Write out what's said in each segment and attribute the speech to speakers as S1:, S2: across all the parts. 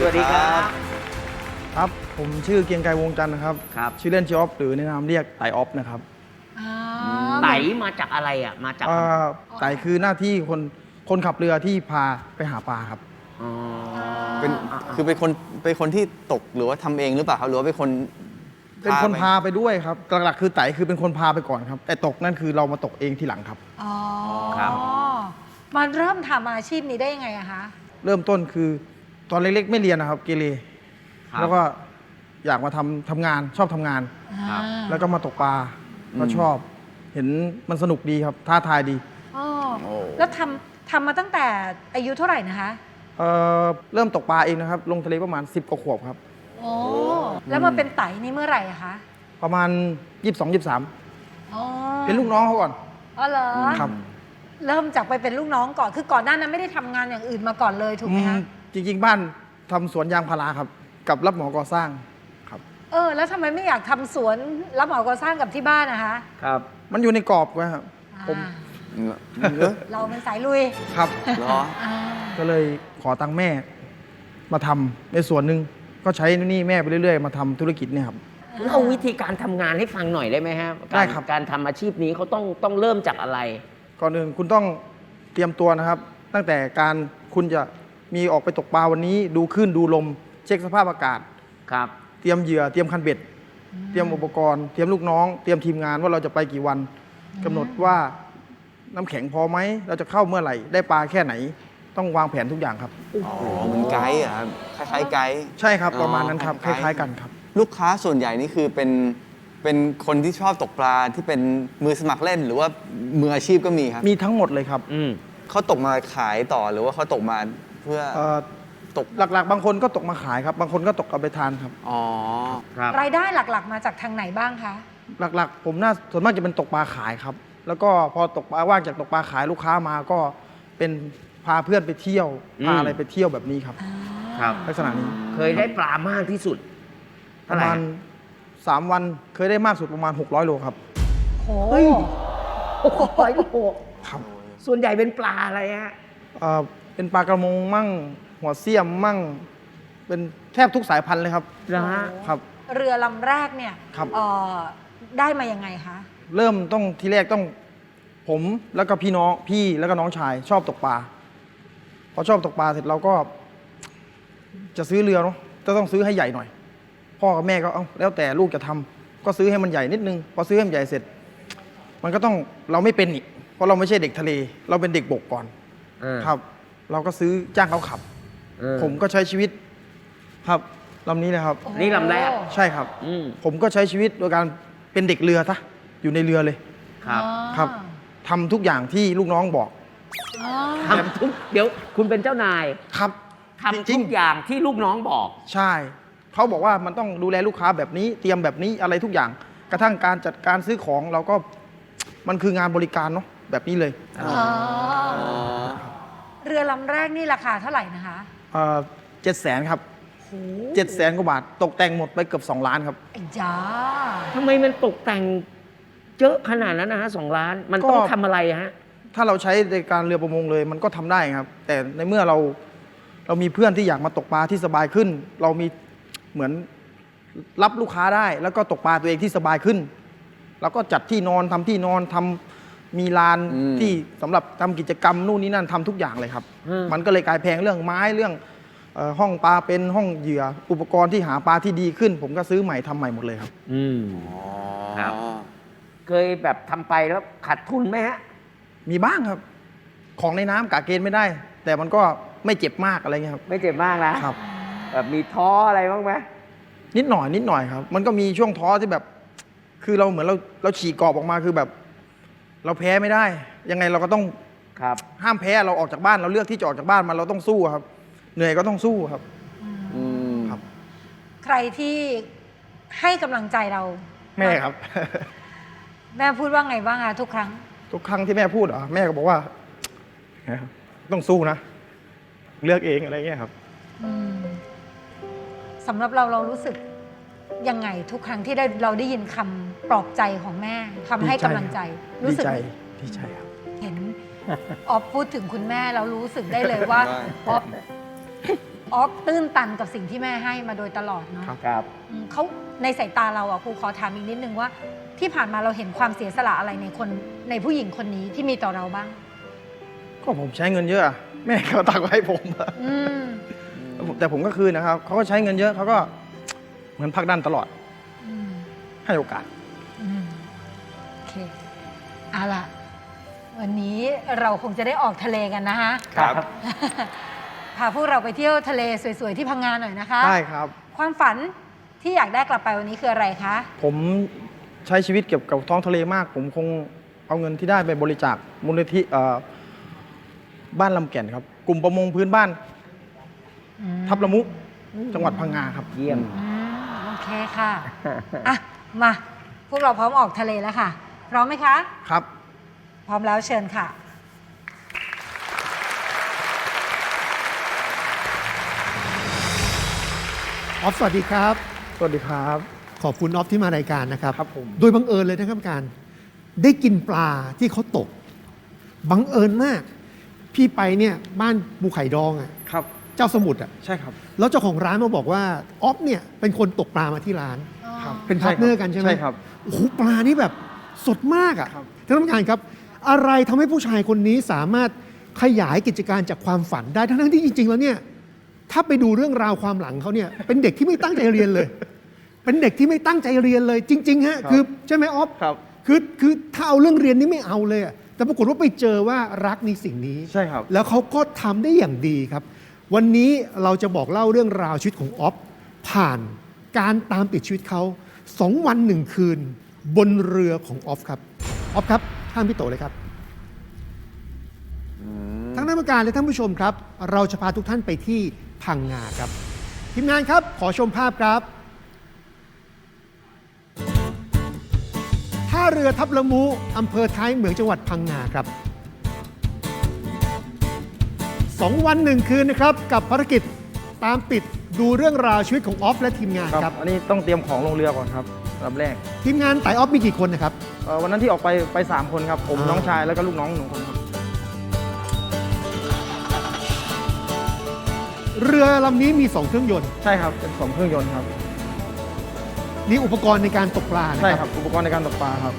S1: วัสดีครับ
S2: ครับผมชื่อเกียงไกรวงจันทร์นะครับชื่อเล่นชื่อออฟหรือในนามเรียกไต่ออฟนะครับ
S1: ไต่มาจากอะไรอ่ะมาจาก
S2: ไต่คือหน้าที่คนขับเรือที่พาไปหาปลาครับ
S3: คือเป็นคนที่ตกหรือว่าทำเองหรือเปล่าครับหรือว่าเป็นคน
S2: พาไปด้วยครับหลักๆคือไต่คือเป็นคนพาไปก่อนครับแต่ตกนั่นคือเรามาตกเองทีหลังครับ
S4: ครับมาเริ่มทำอาชีพนี้ได้ยังไงอะคะ
S2: เริ่มต้นคือตอนเล็กๆไม่เรียนนะครับเกเรแล้วก็อยากมาทำงานชอบทำงานแล้วก็มาตกปลาก็ชอบเห็นมันสนุกดีครับท้าทายดี
S4: แล้วทำมาตั้งแต่อายุเท่าไหร่นะคะ
S2: เริ่มตกปลาเองนะครับลงทะเลประมาณ10 กว่าขวบครับ
S4: โอ้แล้วมาเป็นไต่นี่เมื่อไหร่อะคะ
S2: ประมาณ22-23เป็นลูกน้องเขาก่อน
S4: อ๋อเหรอ
S2: ครับ
S4: เริ่มจากไปเป็นลูกน้องก่อนคือก่อนหน้านั้นไม่ได้ทำงานอย่างอื่นมาก่อนเลยถูกไหมคะ
S2: จริงๆบ้านทำสวนยางพาราครับกับรับเหมาก่อสร้างครับ
S4: แล้วทำไมไม่อยากทำสวนรับเหมาก่อสร้างกับที่บ้านนะคะ
S2: ครับมันอยู่ในกรอบไว้ครับผม
S4: เราเป็นสายลุย
S2: ครับก็เลยขอตังค์แม่มาทำในส่วนหนึ่งก็ใช้นี่แม่ไปเรื่อยๆมาทำธุรกิจเนี่ยครับ
S1: เล่าวิธีการทำงานให้ฟังหน่อยได้ไหมครับ
S2: ได้ครับ
S1: การทำอาชีพนี้เขาต้องเริ่มจากอะไร
S2: ก่อนอื่นคุณต้องเตรียมตัวนะครับตั้งแต่การคุณจะมีออกไปตกปลาวันนี้ดูคลื่นดูลมเช็คสภาพอากาศ
S1: ครับ
S2: เตรียมเหยื่อเตรียมคันเบ็ดเตรียมอุปกรณ์เตรียมลูกน้องเตรียมทีมงานว่าเราจะไปกี่วันกำหนดว่าน้ำแข็งพอไหมเราจะเข้าเมื่อไหร่ได้ปลาแค่ไหนต้องวางแผนทุกอย่างครับ
S3: เหมือนไกด์อ่ะคล้ายๆไกด์
S2: ใช่ครับประมาณนั้นครับคล้ายๆกันครับ
S3: ลูกค้าส่วนใหญ่นี่คือเป็นคนที่ชอบตกปลาที่เป็นมือสมัครเล่นหรือว่ามืออาชีพก็มีครับ
S2: มีทั้งหมดเลยครับ
S3: เขาตกมาขายต่อหรือว่าเขาตกมาเพื่อตก
S2: หลักๆบางคนก็ตกมาขายครับบางคนก็ตกเอาไปทานครับ
S4: ครับรายได้หลักๆมาจากทางไหนบ้างคะ
S2: หลักๆผมส่วนมากจะเป็นตกปลาขายครับแล้วก็พอตกปลาว่างจากตกปลาขายลูกค้ามาก็เป็นพาเพื่อนไปเที่ยวพาอะไรไปเที่ยวแบบนี้ครับลักษณะนี้
S1: เคยได้ปลามากที่สุด
S2: ประมาณ3 วันเคยได้มากสุดประมาณ600 โลครับ
S4: โอ้
S1: ย600 โล
S2: ครับ
S1: ส่วนใหญ่เป็นปลาอะไรฮะ
S2: เป็นปลากระมงมั่งหัวเสี้ยมมั่งเป็นแทบทุกสายพันธุ์เลยครับ
S4: ครับเรือลำแรกเนี่ยได้มายังไงคะ
S2: เริ่มต้องทีแรกต้องผมแล้วก็พี่แล้วก็น้องชายชอบตกปลาพอชอบตกปลาเสร็จเราก็จะซื้อเรือเนาะจะต้องซื้อให้ใหญ่หน่อยพ่อกับแม่ก็แล้วแต่ลูกจะทำก็ซื้อให้มันใหญ่นิดนึงพอซื้อให้มันใหญ่เสร็จมันก็ต้องเราไม่เป็นอีกเพราะเราไม่ใช่เด็กทะเลเราเป็นเด็กบกก่อนครับเราก็ซื้อจ้างเขาขับผมก็ใช้ชีวิตครับลำนี้นะครับ
S1: นี่ลำแรก
S2: ใช่ครับผมก็ใช้ชีวิตโดยการเป็นเด็กเรือซะอยู่ในเรือเลยครับทำทุกอย่างที่ลูกน้องบอก
S1: ทำทุกเดี๋ยวคุณเป็นเจ้านาย
S2: ครับ
S1: ทำทุกอย่างที่ลูกน้องบอก
S2: ใช่เขาบอกว่ามันต้องดูแลลูกค้าแบบนี้เตรียมแบบนี้อะไรทุกอย่างกระทั่งการจัดการซื้อของเราก็มันคืองานบริการเนาะแบบนี้เลย
S4: เรือลำแรกนี่ราคาเท่าไหร่นะคะ
S2: 700,000ครับ700,000 กว่าบาทตกแต่งหมดไปเกือบ2 ล้านครับ
S4: จ้า
S1: ทำไมมันตกแต่งเยอะขนาดนั้นนะฮะ2 ล้านมันต้องทำอะไรฮะ
S2: ถ้าเราใช้ในการเรือประมงเลยมันก็ทำได้ครับแต่ในเมื่อเรามีเพื่อนที่อยากมาตกปลาที่สบายขึ้นเรามีเหมือนรับลูกค้าได้แล้วก็ตกปลาตัวเองที่สบายขึ้นแล้วก็จัดที่นอนทำที่นอนทำมีลานที่สำหรับทำกิจกรรมนู่นนี่นั่นทำทุกอย่างเลยครับมันก็เลยกลายแพงเรื่องไม้เรื่องห้องปลาเป็นห้องเหยื่ออุปกรณ์ที่หาปลาที่ดีขึ้นผมก็ซื้อใหม่ทำใหม่หมดเลยครับ
S1: ครับเคยแบบทำไปแล้วขาดทุนไหมฮะ
S2: มีบ้างครับของในน้ำกะเกณฑ์ไม่ได้แต่มันก็ไม่เจ็บมากอะไรเงี้ยครับ
S1: ไม่เจ็บมากนะครับแบบมีท้ออะไรบ้างไหม
S2: นิดหน่อยครับมันก็มีช่วงท้อที่แบบคือเราเหมือนเราฉีกกรอบออกมาคือแบบเราแพ้ไม่ได้ยังไงเราก็ต้องห้ามแพ้เราออกจากบ้านเราเลือกที่จะออกจากบ้านมาเราต้องสู้ครับเหนื่อยก็ต้องสู้ครับ
S4: ครับใครที่ให้กำลังใจเรา
S2: แม่ครับ
S4: แม่พูดว่าไงบ้างอะทุกครั้ง
S2: ที่แม่พูดแม่ก็บอกว่าต้องสู้นะเลือกเองอะไรเงี้ยครับ
S4: สำหรับเรารู้สึกยังไงทุกครั้งที่เราได้ยินคำปลอบใจของแม่คำให้กำลังใจ
S2: รู้สึกดีใจครับ
S4: เห็นออฟพูดถึงคุณแม่เรารู้สึกได้เลยว่าออฟออฟตื้นตันกับสิ่งที่แม่ให้มาโดยตลอดเนาะ
S1: ครับ
S4: เขาในสายตาเราอ่ะครูขอถามอีกนิดนึงว่า ที่ผ่านมาเราเห็นความเสียสละอะไรในผู้หญิงคนนี้ที่มีต่อเราบ้าง
S2: ก็ผมใช้เงินเยอะอะแม่เขาตักไว้ให้ผมอะ
S4: อืม
S2: แต่ผมก็คืนนะครับเขาก็ใช้เงินเยอะเขาก็เหมือนผลักดันตลอด
S4: อืม
S2: ให้โอกาส
S4: อืมโอเคเอาล่ะ วันนี้เราคงจะได้ออกทะเลกันนะคะ
S3: ครับ
S4: พาพวกเราไปเที่ยวทะเลสวยๆที่พังงาหน่อยนะคะ
S2: ได้ครับ
S4: ความฝันที่อยากได้กลับไปวันนี้คืออะไรคะ
S2: ผมใช้ชีวิตเกี่ยวกับท้องทะเลมาก ผมคงเอาเงินที่ได้ไปบริจาคมูลนิธิบ้านลำแก่นครับ กลุ่มประมงพื้นบ้าน
S4: อืม
S2: ทับละมุจังหวัดพังงาครับ
S1: เยี่ยม
S4: อืมโอเคค่ะ อ่ะ มา พวกเราพร้อมออกทะเลแล้วค่ะ พร้อมไหมคะ
S2: ครับ
S4: พร้อมแล้วเชิญค่ะ
S5: ออฟสวัสดีครับ
S2: สวัสดีครับ
S5: ขอบคุณออฟที่มารายการนะครับ
S2: ครับผม
S5: โดยบังเอิญเลยนะครับการได้กินปลาที่เขาตก บังเอิญมาก พี่ไปเนี่ยบ้านปูไข่ดองอ่ะ
S2: ครับ
S5: เจ้าสมุทรอ่ะ
S2: ใช่ครับ
S5: แล้วเจ้าของร้านมาบอกว่าออฟเนี่ยเป็นคนตกปลามาที่ร้าน
S2: ครับ
S5: เป็นพาร์ทเนอร์กันใช่ไหม
S2: ใช่ครับ
S5: โอ้โหปลานี่แบบสดมากอ่ะ
S2: ครับ
S5: ท่านผู้การครับ อะไรทำให้ผู้ชายคนนี้สามารถขยายกิจการจากความฝันได้ทั้งๆที่จริง ๆ แล้วเนี่ยถ้าไปดูเรื่องราวความหลังเขาเนี่ยเป็นเด็กที่ไม่ตั้งใจเรียนเลย เป็นเด็กที่ไม่ตั้งใจเรียนเลยจริงๆฮะคือใช่ไหมออฟ
S2: ครับ
S5: คือถ้าเอาเรื่องเรียนนี่ไม่เอาเลยอะแต่ปรากฏว่าไปเจอว่ารักในสิ่งนี้
S2: ใช่ครับ
S5: แล้วเขาก็ทำได้อย่างดีครับ วันนี้เราจะบอกเล่าเรื่องราวชีวิตของออฟผ่านการตามติดชีวิตเขา2 วัน 1 คืน บนเรือของออฟครับออฟครับท่านพี่โตเลยครับทั้งนักการและท่านผู้ชมครับ เราจะพาทุกท่านไปที่พังงาครับทีมงานครับขอชมภาพครับท่าเรือทับละมุอำเภอท้ายเหมืองจังหวัดพังงาครับ 2 วัน 1 คืนนะครับกับภารกิจตามติดดูเรื่องราวชีวิตของออฟและทีมงาน
S2: ครับ
S5: ครับ
S2: อันนี้ต้องเตรียมของลงเรือก่อนครับลำแรก
S5: ทีมงานไต่ออฟมีกี่คนนะครับ
S2: วันนั้นที่ออกไป3 คนครับ ผม
S5: อ่า
S2: น้องชายแล้วก็ลูกน้อง1 คนครับ
S5: เรือลำนี้มี 2 เครื่องยนต์
S2: ใช่ครับ เป็น2 เครื่องยนต์ครับ
S5: มีอุปกรณ์ในการตกปลานะ
S2: ใช่
S5: ค
S2: ค
S5: รั
S2: รับ อุปกรณ์ในการตกปลาครับ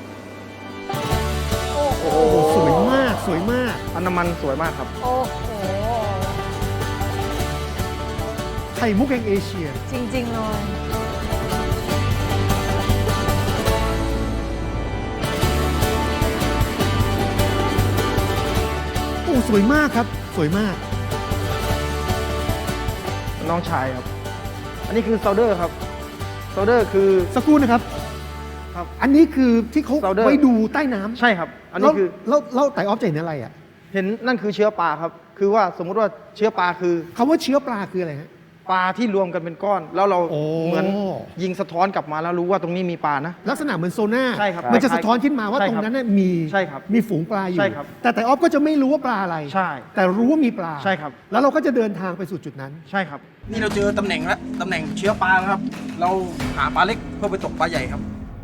S4: โอ้โห
S5: โอ้โหสวยมากสวยมาก
S2: อันน้ำมันสวยมากครับ
S4: โอ้โห
S5: ไข่มุกแห่งเอเชีย
S4: จริง ๆ เลย
S5: โอ้สวยมากครับ สวยมาก
S2: น้องชายครับ อันนี้คือโซลเดอร์ครับโซลเดอร์คือ
S5: สักครู่นะครับ
S2: ครับ
S5: อันนี้คือที่เขา
S2: Solder
S5: ไว้ดูใต้น้ำ
S2: ใช่ครับ อันนี้คือ
S5: แล้วไต่ออฟจะเห็นอะไรอ่ะ
S2: เห็นนั่นคือเชื้อปลาครับ คือว่าสมมุติว่าเชื้อปลาคือ
S5: คำว่าเชื้อปลาคืออะไรฮะ
S2: ปลาที่รวมกันเป็นก้อน แล้วเรา
S5: โอ้
S2: เหมือนยิงสะท้อนกลับมาแล้วรู้ว่าตรงนี้มีปลานะ
S5: ลักษณะเหมือนโซน่า
S2: ใช่ครับ
S5: มันจะสะท้อนขึ้นมาว่า
S2: ใช่
S5: ต
S2: ค
S5: ร
S2: รับ
S5: งนั้นน่ะมี
S2: ใช่ครับ
S5: มีฝูงปลาอยู่
S2: ใช่ครับ
S5: แต่ไต่ออฟก็จะไม่รู้ว่าปลาอะไร
S2: ใช่
S5: แต่รู้ว่ามีปลา
S2: ใช่ครับ
S5: แล้วเราก็จะเดินทางไปสู่จุดนั้น
S2: ใช่ครับ นี่เราเจอตำแหน่งแล้วตำแหน่งเชื้อปลาครับ เราหาปลาเล็กเพื่อไปตกปลาใหญ่ครับ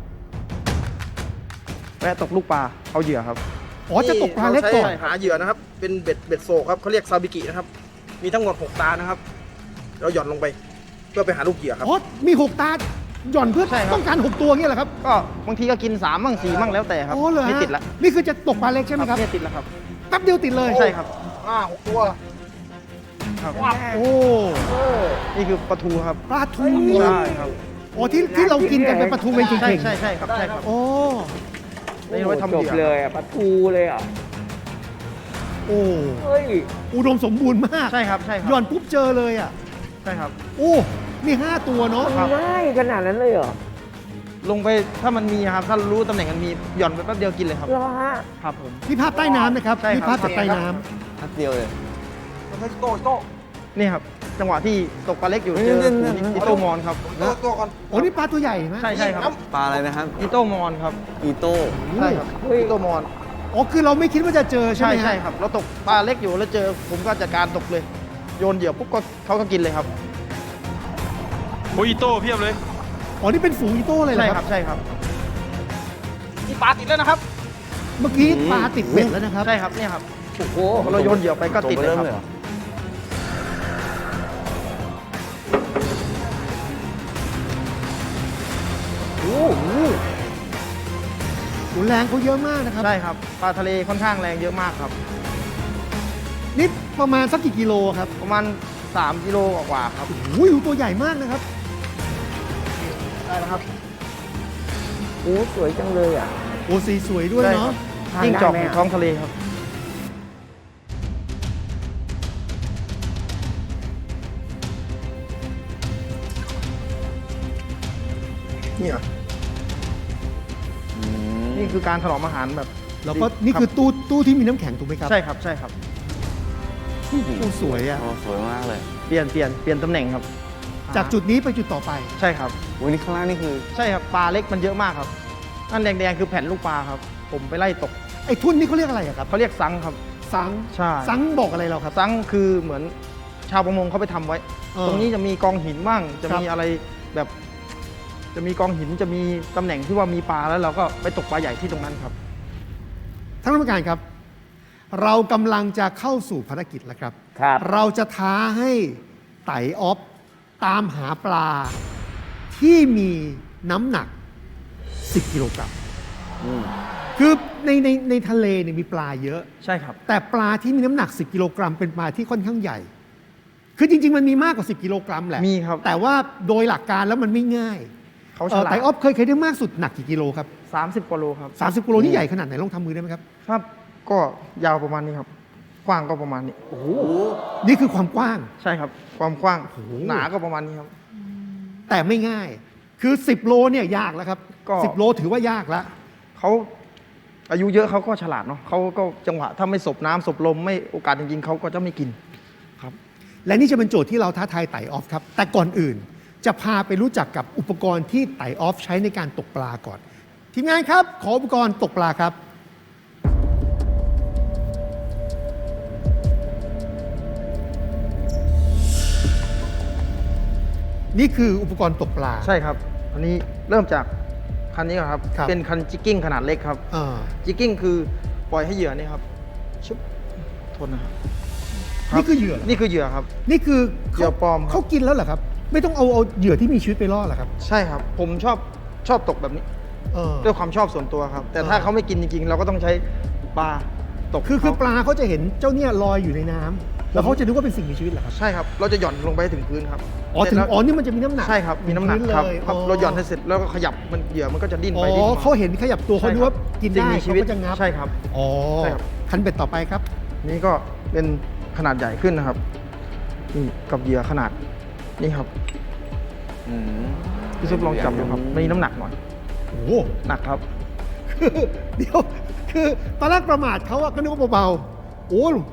S2: แวะตกลูกปลาเอาเหยื่อครับ
S5: อ๋อจะตกปลาเล็กก่อน
S2: รใช้หาเหยื่อนะครับ เป็นเบ็ดโศกครับเขาเรียกซาบิกินะครับ มีทั้งหมด6 ตานะครับ เราหย่อนลงไป เพื่อไปหาลูกเหยื่อครับ
S5: อ๋อมี 6 ตา หย่อนเพื่อ
S2: ใช่ครับ
S5: ต้องการ 6 ตัวเงี้ยเหรอครับ
S2: ก็บางทีก็กิน3มั่ง4มั่งแล้วแต่ครับ
S5: อ๋อเหรอ
S2: ไม่
S5: ฮะ
S2: ติดละ
S5: นี่คือจะตกปลาเล็กใช่ไหมครับ
S2: เนี่ยติดแล้วครับ
S5: แป๊บเดียวติดเลย
S2: ใช่ครับ6 ตัวครับ
S5: โอ้
S2: นี่คือปลาทูครับ
S5: ปลาทู
S2: ใช่ครับ
S5: อ๋อที่เรากินกันเป็นปลาทูเป็น
S2: ใช่
S5: เข่ง
S2: ใช่ใช่ครับใช่ครับ
S5: ๆโอ้
S2: นี่เอาไว้ทำ
S1: จ
S2: เห
S1: บ
S2: ยื่อ
S1: เลยอะปลาทูเลยอ่ะ
S5: โอ้
S1: เฮ้ย
S5: อุดมสมบูรณ์มาก
S2: ใช่ครับใช่ครั
S5: หย่อนปุ๊บเจอเลยอ่ะ
S2: ใช่ครับ
S5: โอ้นี่5 ตัวเนาะ
S2: ครับ
S1: ง่ายขนาดนั้นเลยเหรอ
S2: ลงไปถ้ามันมีครับ ถ้ารู้ตำแหน่งมันมีหย่อนไปแป๊บเดียวกินเลยครับ
S1: เหรอฮะ
S2: ครับผม
S5: นี่ภาพใต้น้ำนะครับ
S2: ใช่ครับ
S5: นี่ภาพจากใต้น้
S3: นัดเดียวเลย
S2: นี่ครับ จังหวะที่ตกปลาเล็กอยู่เจอ
S3: เนี่ย
S2: อีโต้มอนครับ
S5: ำโอ้นี่ปลาตัวใหญ่ไหม
S2: ใช่ใช่ครับ
S3: ปลาอะไรนะครับ
S2: อีโต้มอนครับ
S3: อีโต้
S2: ใช่ครับ
S1: เฮ้ย
S2: อีโต้มอน
S5: อ๋อคือเราไม่คิดว่าจะเจอใช่
S2: ใช่
S5: ไหมฮะ
S2: ใช่ครับ เราตกปลาเล็กอยู่แล้วเจอผมก็จัดการตกเลย โยนเหยื่อปุ๊บก็เขาก็กินเลยครับ
S6: โอ้ยอีโต้เพียบเลย
S5: อ๋อนี่เป็นฝูงอีโต้เลยเหร
S2: ใช่
S5: อ
S2: ค
S5: ค
S2: รั
S5: รั
S2: บบ ใช่ครับนี่ปลาติดแล้วนะครับ
S5: เมื่อกี้ปลาติดเบ็ดแล้วนะครับ
S2: ใช่ครับเนี่ยครับ
S1: โอ้โห
S2: เราโยนเหยื่อไปก็ติดเลยครับ
S3: เหรอ
S5: แรงเขาเยอะมากนะครับ
S2: ใช่ครับปลาทะเลค่อนข้างแรงเยอะมากครับ
S5: นี่ประมาณสักกี่กิโลครับ
S2: ประมาณ3 กิโลกว่าๆครับ
S5: อุ้ยตัวใหญ่มากนะครับ
S2: ได้แล้วครับ
S1: โอ้สวยจังเลยอ่ะ
S5: โอ้สีสวยด้วย
S2: ใช่
S5: เนาะ
S2: ครับ
S1: ทานได้
S2: ยิ่งจอก
S1: ไหม
S2: ใน
S1: อะ
S2: ท้องทะเลครับนี่เหรอนี่คือการถนอมอาหารแบบ
S5: แล้วก็นี่คือตู้ที่มีน้ำแข็งถูกไหมครับ
S2: ใช่ครับใช่ครับ
S5: โอ้สวยอ่ะ
S3: โอ้สวยมากเลย
S2: เปลี่ยนตำแหน่งครับ
S5: จากจุดนี้ไปจุดต่อไป
S2: ใช่ครับ
S3: โอ้ยนี่ข้างล่างนี่คือ
S2: ใช่ครับปลาเล็กมันเยอะมากครับนั่นแดงๆคือแผ่นลูกปลาครับ ผมไปไล่ตก
S5: ไอ้ทุ่นนี่เขาเรียกอะไรอะครับ
S2: เขาเรียกซังครับ
S5: สัง
S2: ใช่
S5: สังบอกอะไรเราครับ
S2: ซังคือเหมือนชาวประมงเขาไปทำไว้ ตรงนี้จะมีกองหินบ้างจะมี
S5: ครับ
S2: อะไรแบบ จะมีกองหินจะมีตำแหน่งที่ว่ามีปลาแล้วเราก็ไปตกปลาใหญ่ที่ตรงนั้นครับ
S5: ท่านผู้การครับ เรากำลังจะเข้าสู่ภารกิจแล้วครับ
S1: ครับ
S5: เราจะท้าให้ไต่ออฟตามหาปลาที่มีน้ำหนัก 10 กิโลกรัม คือในทะเลเนี่ยมีปลาเยอะ
S2: ใช่ครับ
S5: แต่ปลาที่มีน้ำหนัก 10 กิโลกรัมเป็นปลาที่ค่อนข้างใหญ่ คือจริง ๆ มันมีมากกว่า 10 กิโลกรัมแหละ
S2: มีครับ
S5: แต่ว่าโดยหลักการแล้วมันไม่ง่าย
S2: เขาฉลาด
S5: ไต่ออฟเคยได้มากสุดหนักกี่กิโลครับ
S2: 30 กว่าโลครับ
S5: 30 กิโลนี่ใหญ่ขนาดไหนลองทำมือได้ไหมครับ
S2: ครับ ก็ยาวประมาณนี้ครับ กว้างก็ประมาณนี้
S5: นี่คือความกว้าง
S2: ใช่ครับ ความกว้าง
S5: โอ้โห
S2: หนาก็ประมาณนี้ครับ
S5: แต่ไม่ง่าย คือ 10 โลเนี่ยยากแล้วครับ
S2: ก็
S5: 10 โลถือว่ายากแล้ว
S2: เขาอายุเยอะเขาก็ฉลาดเนาะเขาก็จังหวะถ้าไม่สบน้ำสบลมไม่โอกาสจริงๆเขาก็จะไม่กินครับ
S5: และนี่จะเป็นโจทย์ที่เราท้าทายไต่ออฟครับ แต่ก่อนอื่นจะพาไปรู้จักกับอุปกรณ์ที่ไต่ออฟใช้ในการตกปลาก่อน ทีมงานครับ ขออุปกรณ์ตกปลาครับ นี่คืออุปกรณ์ตกปลา
S2: ใช่ครับ อันนี้เริ่มจากคันนี้ก่อนครับ
S5: ครับ
S2: เป็นคันจิกกิ้งขนาดเล็กครับ
S5: อ่า
S2: จิกกิ้งคือปล่อยให้เหยื่อนี่ครับชุบโทษนะครับ
S5: นี่คือเหยื่อเหรอ
S2: นี่คือเหยื่อครับ
S5: นี่คือ
S2: เหยื่อปลอมครับ
S5: เขากินแล้วเหรอครับ ไม่ต้องเอาเหยื่อที่มีชีวิตไปล่อเหรอครับ
S2: ใช่ครับ ผมชอบตกแบบนี้
S5: เออ
S2: ด้วยความชอบส่วนตัวครับ แต่ถ้า
S5: เออ
S2: เขาไม่กินจริงๆ เราก็ต้องใช้ปลาตก
S5: คือ
S2: เขา
S5: ปลาเขาจะเห็นเจ้าเนี่ยลอยอยู่ในน้ำแล้วเขาจะนึกว่าเป็นสิ่งมีชีวิตเหรอครับ
S2: ใช่ครับ เราจะหย่อนลงไปให้ถึงพื้นครับ
S5: อ๋อถึง
S2: เสร็จแล้ว
S5: อ๋อนี่มันจะมีน้ำหนัก
S2: ใช่ครับ มีน้ำหนัก
S5: พื้
S2: ครับ
S5: เลย
S2: ครับเราหย่อนให้เสร็จแล้วก็ขยับมันเหยื่อมันก็จะดิ้น
S5: อ๋
S2: ไปดิ้น
S5: อ
S2: มา
S5: เขาเห็นขยับตัวเขา
S2: ใช่
S5: ดู
S2: ครับ
S5: ว่ากิน
S2: สิ่ง
S5: ได้
S2: มีชี
S5: เขา
S2: วิต
S5: ก็จะงับ
S2: ใช่ครับ
S5: อ๋อ
S2: ใช่ครับ
S5: คันเบ็ดต่อไปครับ
S2: นี่ก็เป็นขนาดใหญ่ขึ้นนะครับ นี่กับเหยื่อขนาดนี่ครับ
S3: อืม
S2: พี่ซุปลองจับดูครับมีน้ำหนักหน่อย
S5: โอ้โห
S2: หนักครับ
S5: เดี๋ยวคือตอนแรกประมาทเขาอะก็นึกว่าเบาๆโอ้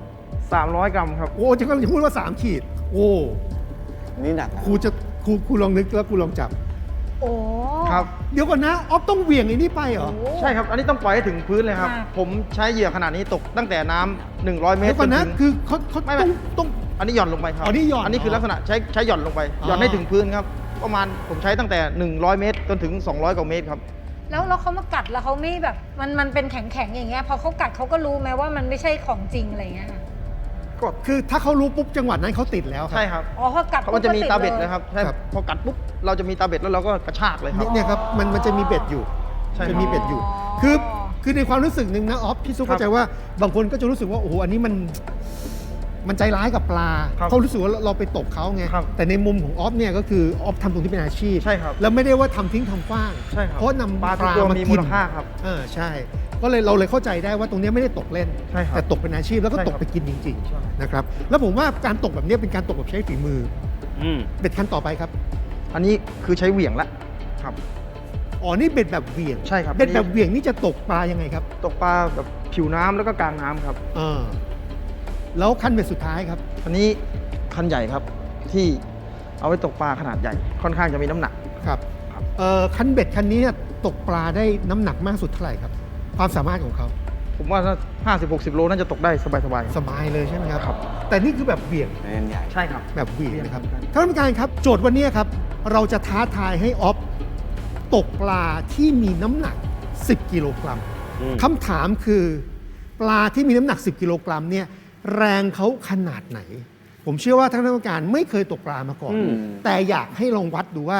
S2: 300 กรัมครับ
S5: โหจะกำลังจะพูดว่า3 ขีด โอ้
S3: นี่หนักนะ
S5: ครูลองนึกแล้วครูลองจับ
S4: โอ้
S2: ครับ
S5: เดี๋ยวก่อนนะออฟต้องเหวี่ยงไอ้นี่ไปเหรอ
S2: ใช่ครับ อันนี้ต้องปล่อยให้ถึงพื้นเลยครับ ผมใช้เหยื่อขนาดนี้ตกตั้งแต่น้ำ100 เมต
S5: เดี๋
S2: ร
S5: ยวก่อนนะ
S2: จถึง
S5: คือเขา
S2: ไม่ไม่
S5: ต้อง
S2: อันนี้หย่อนลงไปครับ
S5: อ๋อนี่หย่อน
S2: อันนี้คือลักษณะใช้หย่อนลงไป หย่อนให้ถึงพื้นครับ ประมาณผมใช้ตั้งแต่100 เมตรจนถึง200 กว่าเมตรครับ
S4: แล้วเขามากัดแล้วเขาไม่แบบมันเป็นแข็งๆอย่างเงี้ยพอเขากัดเขาก็รู้ไหมว่ามันไม่ใช่ของจริงอะไรเงี้ยค่ะ
S2: ก็
S5: คือถ้าเขารู้ปุ๊บจังหวะนั้นเขาติดแล้วครั
S2: ใช่ครับ
S4: อ๋อพอกัด
S2: เขามันจะมีตาเบ็ด
S4: ปุ๊บก็ติ
S2: นะครับใช่
S5: ครับ
S2: พอกัดปุ๊บเราจะมีตาเบ็ดแล้วเราก็กระชากเลยครับ
S5: เนี่ยครับมันจะมีเบ็ดอยู่
S2: ใช่ครับ
S5: จะมีเบ็ดอยู่ คือในความรู้สึกหนึ่งนะออฟพี่ซุป
S2: ครับ
S5: เข้าใจว่าบางคนก็จะรู้สึกว่าโอ้โหอันนี้มันใจร้ายกับปลา
S2: ครับ
S5: เขารู้สึกว่าเราไปตกเขาไง
S2: ครับ
S5: แต่ในมุมของออฟเนี่ยก็คือออฟทำตรงที่เป็นอาชีพ
S2: ใช่ครับ
S5: แล้วไม่ได้ว่าทำทิ้งทำกว้าง
S2: ใช่ครับ
S5: เพราะนำ
S2: ปลา
S5: ป
S2: ทุก
S5: ลา
S2: ตัว
S5: มา
S2: มี
S5: กิ
S2: มู
S5: น
S2: ลค่าครับ
S5: ใช่ ก็เลยเราเลยเข้าใจได้ว่าตรงเนี้ยไม่ได้ตกเล่น
S2: ใช่ครับ
S5: แต่ตกเป็นอาชีพแล้วก็
S2: ใช่
S5: ต
S2: ค
S5: ก
S2: รับ
S5: ไปกินจริง
S2: ใช่
S5: ๆนะครับแล้วผมว่าการตกแบบเนี้ยเป็นการตกแบบใช้ฝีมือ
S1: อืม
S5: เบ็ดคันต่อไปครับ
S2: อันนี้คือใช้เหวี่ยงละครับ
S5: อ๋อนี่เบ็ดแบบเหวี่ยง
S2: ใช่ครับ
S5: เบ็ดแบบเหวี่ยงนี่จะตกปลายังไงครับ
S2: ตกปลาแบบผิวน้ำแล้วก็กลางน้ำครับ
S5: แล้วคันเบ็ดสุดท้ายครับ
S2: อันนี้คันใหญ่ครับที่เอาไว้ตกปลาขนาดใหญ่ ค่อนข้างจะมีน้ำหนัก
S5: ครับ
S2: ครับ
S5: คันเบ็ดคันนี้เนี่ยตกปลาได้น้ำหนักมากสุดเท่าไหร่ครับ ความสามารถของเขา
S2: ผมว่าถ้า50-60 โลน่าจะตกได้สบายๆค
S5: ส
S2: รับบ
S5: ายเลยใช่ไหมครับ
S2: ครับ
S5: แต่นี่คือแบบเหวี่ยง
S3: เล่นใหญ่
S2: ใช่ครับ
S5: แบบเหวี่ยงนะครับ
S2: เหวี่ยง
S5: ท่านผู้การครับ โจทย์วันนี้ครับเราจะท้าทายให้ออฟตกปลาที่มีน้ำหนัก 10 กิโลกรัม
S1: อืม
S5: คำถามคือปลาที่มีน้ำหนัก 10 กิโลกรัมเนี่ยแรงเขาขนาดไหน ผมเชื่อว่าท่านผู้การไม่เคยตกปลามาก่อน
S1: อืม
S5: แต่อยากให้ลองวัดดูว่า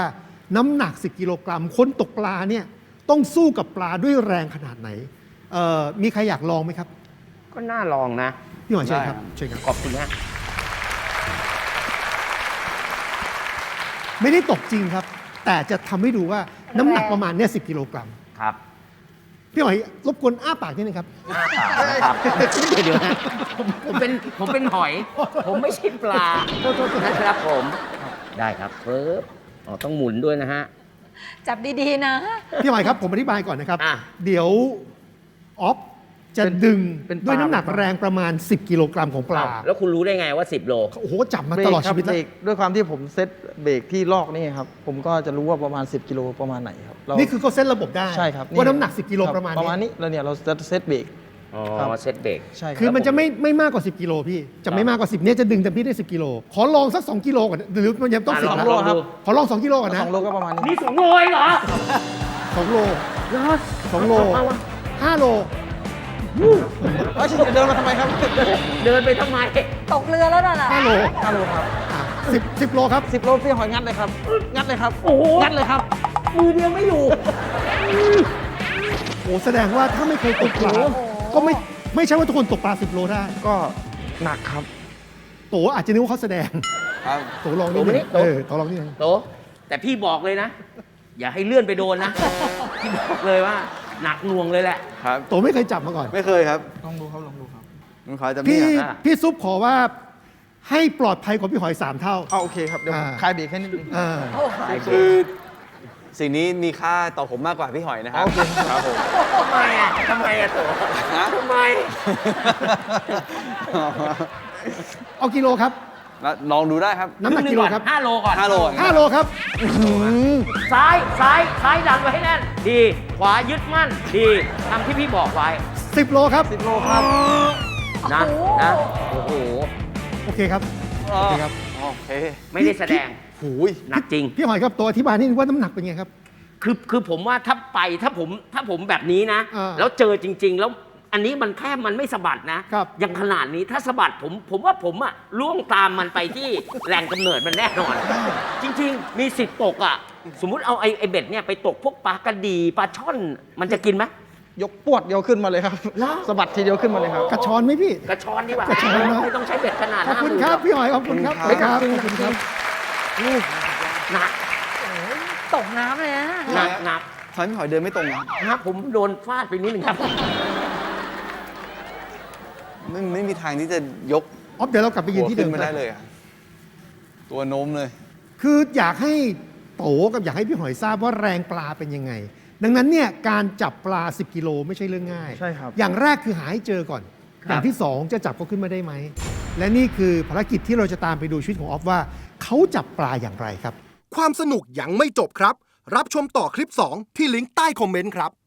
S5: น้ำหนัก 10 กิโลกรัมคนตกปลาเนี่ยต้องสู้กับปลาด้วยแรงขนาดไหนมีใครอยากลองไหมครับ
S1: ก็น่าลองนะ
S5: พี่หอยเชิญ
S3: ได้
S5: ค
S3: ครั
S5: รับบ เชิญครับ
S1: ขอบคุณฮะ
S5: ไม่ได้ตกจริงครับ แต่จะทำให้ดูว่าน้ำหนักประมาณเนี่ย10 กิโลกรัม
S1: ครับ
S5: พี่หอยรบกวนอ้าปากนิดนึงครับ
S1: อ้าปากนะครับเดี๋ยวนะผมเป็นหอย ผมไม่ใช่ปลานะครับผม ได้ครับเพิ่มอ๋อต้องหมุนด้วยนะฮะ
S4: จับดีๆนะ
S5: พี่หอยครับผมอธิบายก่อนนะครับ
S1: อ่ะ
S5: เดี๋ยวออฟจะดึง
S2: เป็นปลา
S5: ด้วยน้ำหนักแรงประมาณ 10 กิโลกรัมของปลา
S1: แล้วคุณรู้ได้ไงว่า 10 โล
S5: โอ้โหจับมา
S2: เบร
S5: ต
S2: ก
S5: ลอด
S2: ครั
S5: ชีวิต
S2: เบ
S5: แล้
S2: ร
S5: ว
S2: กด้วยความที่ผมเซตเบรกที่ลอกนี่ครับผมก็จะรู้ว่าประมาณ 10 กิโลประมาณไหนครับเรา
S5: นี่คือเขาเซตระบบได้
S2: ใช่ครับ
S5: ว่าน้ำหนัก 10 กิโล
S2: คบ
S5: ประมาณ
S2: ประมาณนี้แล้วเนี่ยเราจะเซตเบรก
S1: อ๋อ
S2: ครับ
S1: เซตเบรก
S2: ใช่รับ
S5: คือมันจะไม่มากกว่า 10 กิโลพี่ จะไม่มากกว่า 10เนี่ยจะดึงเต็มที่ได้ 10 กิโล ขอลองสัก 2 กิโลก่อนหรือมันยังต้อง
S1: อ่ะ
S5: 10
S1: ลอง
S5: นะ
S1: ลองดู
S5: ขอลอง 2 กิโลก่อนนะ
S2: 2 โลก็ประมาณนี้
S1: นี่2 โลเองเหรอ
S5: 2 โล
S1: เหรอ
S5: 2 โล
S1: เอาวะ
S5: 5 โล
S2: เอ้ยจะเดินมาทำไมครับ
S1: เดินไปทำไม
S4: ตกเรือแล้วน่ะ
S5: 5 โล
S2: 5 โลครับ
S5: อ่ะ10 โลครับ
S2: 10 โลพี่หอยงัดเลยครับ งัดเลยครับ
S1: โอ้โห
S2: งัดเลยครับ
S1: มือเดียวไม่อยู่
S5: โอ้แสดงว่าถ้าไม่เคยตกปลาก็ไม่ใช่ว่าทุกคนตกปลา 10 โลได้
S2: ก็หนักครับ
S5: โตอาจจะนึกว่าเขาแสดง
S3: ครับ
S5: โตลองนิดนึง
S1: โต
S5: โตลองนิดนึง
S1: โตแต่พี่บอกเลยนะ อย่าให้เลื่อนไปโดนนะ พี่บอกเลยว่า หนักหน่วงเลยแหละ
S3: ครับ
S5: โตไม่เคยจับมาก่อน
S3: ไม่เคยครับ
S2: ลองดูครับ ลองดูครับ
S3: ผมขอจำ
S5: พี่
S3: เนี่ย
S1: อ่ะ
S5: พี่ซุปขอว่าให้ปลอดภัยกว่าพี่หอย 3 เท่า
S2: เอาโอเคครับ เดี๋ยวผม
S5: อ่า
S2: คลายเบรกให้นิดนึง
S5: อ่า
S3: คือสิ่งนี้มีค่าต่อผมมากกว่าพี่หอยนะครับ
S2: โอเค
S3: ครับผม
S1: ทำไมอ่ะทำไมอ่ะโต
S3: ฮะ
S1: ทำไม
S5: เอากิโลครับ
S3: แล้วลองดูได้ครับ
S5: น้ำหนักกิโลครับ
S1: 5 โลก่อน
S3: 5 โล
S5: 5 โลครับ
S1: ซ้ายดันไว้ให้แน่น ดี ขวายึดมั่น ดีทำที่พี่บอกไว้
S5: 10 โลครับ
S2: 10 โลครับ
S1: นะนะ โอ้โห
S5: โอเคครับ
S3: โอ
S5: โอเค
S3: เค
S5: ค
S3: ค
S5: รั
S3: รับ บ โอเค
S1: ไม่ได้แสดง
S3: หูย
S1: หนักจริง
S5: พี่หอยครับตัวอธิบายนิดนึงว่าน้ำหนักเป็นไงครับ
S1: คือผมว่าถ้าผมแบบนี้นะ
S5: อ่า
S1: แล้วเจอจริง ๆ แล้วอันนี้มันแค่มันไม่สะบัดนะครับ อย่างขนาดนี้ถ้าสะบัดผมว่าผมอะล่วงตามมันไปที่ แหล่งกำเนิดมันแน่นอน จริง ๆ มีสิทธิ์ตกอะสมมุติเอาไอ้เบ็ดเนี่ยไปตกพวกปลากระดีปลาช่อนมันจะกินไหม
S2: ยกปวดเดียวขึ้นมาเลยครับ
S1: เหรอ
S2: สะบัดทีเดียวขึ้นมาเลยครับ
S5: กระชอนไหมพี่
S1: กระชอนดีกว่าก
S5: ระชอนเนอะ
S1: ไม่ต้องใช้เบ็ดขนาด
S5: ขอบคุณ
S1: 50,000
S5: ครับ พี่หอยขอบคุณครับ
S3: ขอบคุณครับ
S5: ขอบคุณครับ
S1: หนัก
S4: ตกน้ำเลยนะ
S1: หนัก
S3: ทำไมพี่หอยเดินไม่ตรงนะ
S1: นะครับผมโดนฟาดไปนิดนึงครับ
S3: ไม่มีทางที่จะยก
S5: ออฟเดี๋ยวเรากลับไปยืนที่เดิ
S3: ขึ้
S5: ม
S3: นไม่ได้เลยอะตัวโน้มเลย
S5: คืออยากให้โตกับอยากให้พี่หอยทราบว่าแรงปลาเป็นยังไง ดังนั้นเนี่ยการจับปลา 10 กิโลไม่ใช่เรื่องง่าย
S2: ใช่ครับ
S5: อย่างแรกคือหาให้เจอก่อน อย่างที่ 2 จะจับเขาขึ้นมาได้ไหม และนี่คือภารกิจที่เราจะตามไปดูชีวิตของออฟว่าเขาจับปลาอย่างไรครับ
S7: ความสนุกยังไม่จบครับ รับชมต่อคลิป 2 ที่ลิงก์ใต้คอมเมนต์ครับ